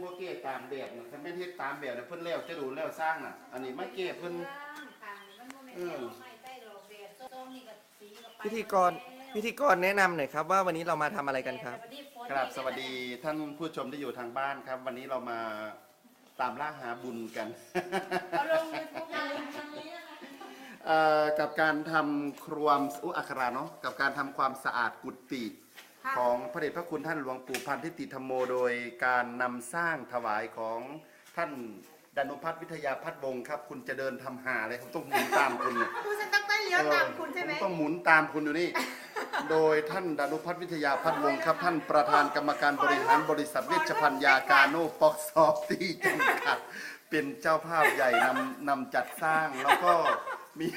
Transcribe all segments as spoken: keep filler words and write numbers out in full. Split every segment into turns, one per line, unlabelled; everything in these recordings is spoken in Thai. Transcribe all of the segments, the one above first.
วกเก้ตามแบบนะถ้าไม่เฮ็ดตามแบบเนี่ยเพิ่นแล้วจะดูแล้วสร้างน่ะอันนี้ไม่เก้เพิ่น
พิธีกรพิธีกรแนะนำหน่อยครับว่าวันนี้เรามาทำอะไรกันครับ
ครับสวัสดีท่านผู้ชมที่อยู่ทางบ้านครับ วันนี้เรามาตามล่าหาบุญกันกับการทำครวมอุอัคราเนาะกับการทำความสะอาดกุฏิของพระเดชพระคุณท่านหลวงปู่พันธิติธรรมโมโดยการนำสร้างถวายของท่านดานุพัฒน์วิทยาพัฒน์วงศ์ครับคุณจะเดินทำหาเลยผมต้องหมุนตามคุณ
คุณจะต้องเลี้ยวตามคุณใช่ไหม
ผมต้องหมุนตามคุณอยู่นี่โดยท่านดานุพัฒน์วิทยาพัฒน์วงศ์ครับท่านประธานกรรมการบริหารบริษัทเวชภัณฑ์ยากาโนป๊อกซอฟตี้จำกัดเป็นเจ้าภาพใหญ่นำนำจัดสร้างแล้วก็มี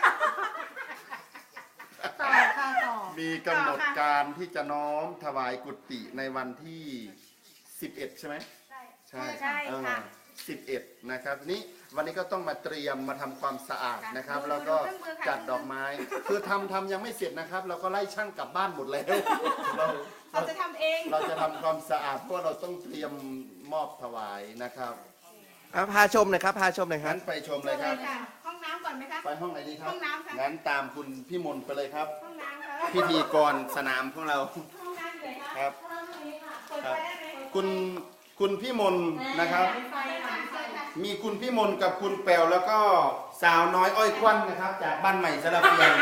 ต่อค่ะต่อ
มีกำหนดการที่จะน้อมถวายกุฏิในวันที่สิบเอ็ดใช่ไหมใช่
ใช่ค่ะ
สิบเอ็ดนะครับนี้วันนี้ก็ต้องมาเตรียมมาทำความสะอาดนะครับแล้วก็จัดดอกไม้คือทำทำยังไม่เสร็จนะครับเราก็ไล่ช่างกลับบ้านหมดแล้วเรา
เราจะทำเอง
เราจะทำความสะอาดเพราะเราต้องเตรียมมอบถวายนะครับ
พาชมหน่อยครับพาชมหน่อยครับ
งั้นไปชมเลยครับ
ห้องน้ำก่อนไหมคะ
ไปห้องไหนดีครับ
ห้องน้ำค่ะ
งั้นตามคุณพี่มนต์ไปเลยครับ
ห้องน้ำค่ะ
พิธีกรสนามของเรา
ห้องน้ำเลยค่ะ
ครับ
ครับ
คุณคุณพี่มนต์นะครับมีคุณพี่มนต์กับคุณแปวแล้วก็สาวน้อยอ้อยควันนะครับจากบ้านใหม่สระเพียง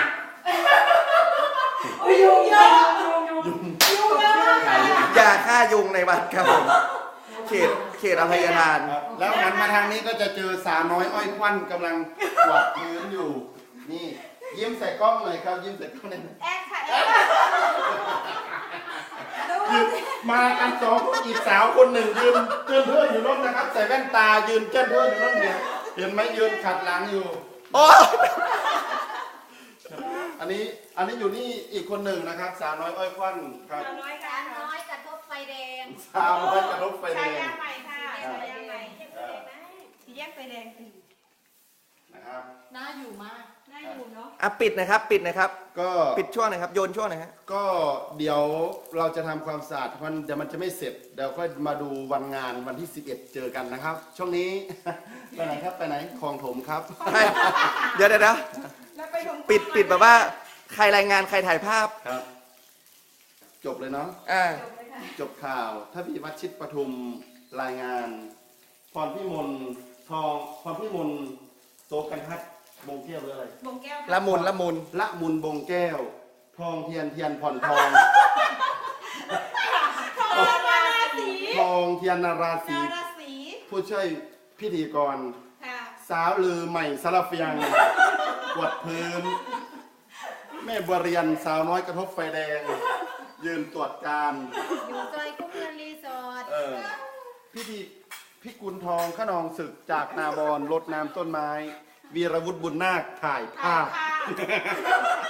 ยุงเยอะ
ยุง
ยุงเยอะ
อย่าฆ่ายุงในวัดครับผมเขตเขตอภัยทาน
แล้วหันมาทางนี้ก็จะเจอสาวน้อยอ้อยควันกำลังกวาดพื้นอยู่นี่ยิ้มใส่กล้องหน่อยครับยิ้มใส่กล้องหน่อย
แอ๊กค่ะ
มากันสองคนอีกสาวคนหนึ่งยืนเจิ้นเพื่อนอยู่นั่นนะครับใส่แว่นตายืนเจิ้นเพื่อนอยู่นั่นเนี่ยเห็นไหมยืนขัดหลังอยู่
โอ้
อันนี้อันนี้อยู่นี่อีกคนหนึ่งนะครับสาวน้อยอ้อยควันครับ
สาวน้อยค่ะน้อยกระทบไฟแดง
สาวน้อยกระทบไฟแดง
ใช่ใหม่ค่ะใช่ใหม่ที่แยกไฟแดงสิ
นะครับ
น่าอยู่มากน่าอยู่เนาะ
อ่ะปิดนะครับปิดนะครับ
ก็
ปิดช่วงหน่อยครับโยนช่วงหน่อยฮะ
ก็เดี๋ยวเราจะทำความสะอาดมันเดี๋ยวมันจะไม่เสร็จเดี๋ยวค่อยมาดูวันงานวันที่สิบเอ็ดเจอกันนะครับ ช่วงนี้ไปไหนครับไปไหนคลองถมครับ
เดี๋ยวเดี๋ยวปิดปิดแบบว่าใครรายงานใครถ่ายภาพ
ครับจบเลยเนาะ
อ่า
จบข่าวถ้าพี่วัชิตปทุมรายงานพรพิมลทองพรพิมลโตกันทัดบงแก้วหรืออะไร
บงแก้ว
ละมุนละมุน
ละมุนบงแก้วทองเทียนเทียนผ่อนทอง
ทองนาราศี
ทองเทียนนาราศีผู้ช่วยพิธีกรสาวลือใหม่สลับเฟียงกวดพื้นแม่บัวเรียนสาวน้อยกระทบไฟแดงยืนตรวจการ
อยู่ซอยคุ้มเงินรีสอร์ท
พิธีพิกุลทองขนองศึกจากนาบอนรดน้ำต้นไม้วีรวุฒิบุญนาคถ่ายภาพ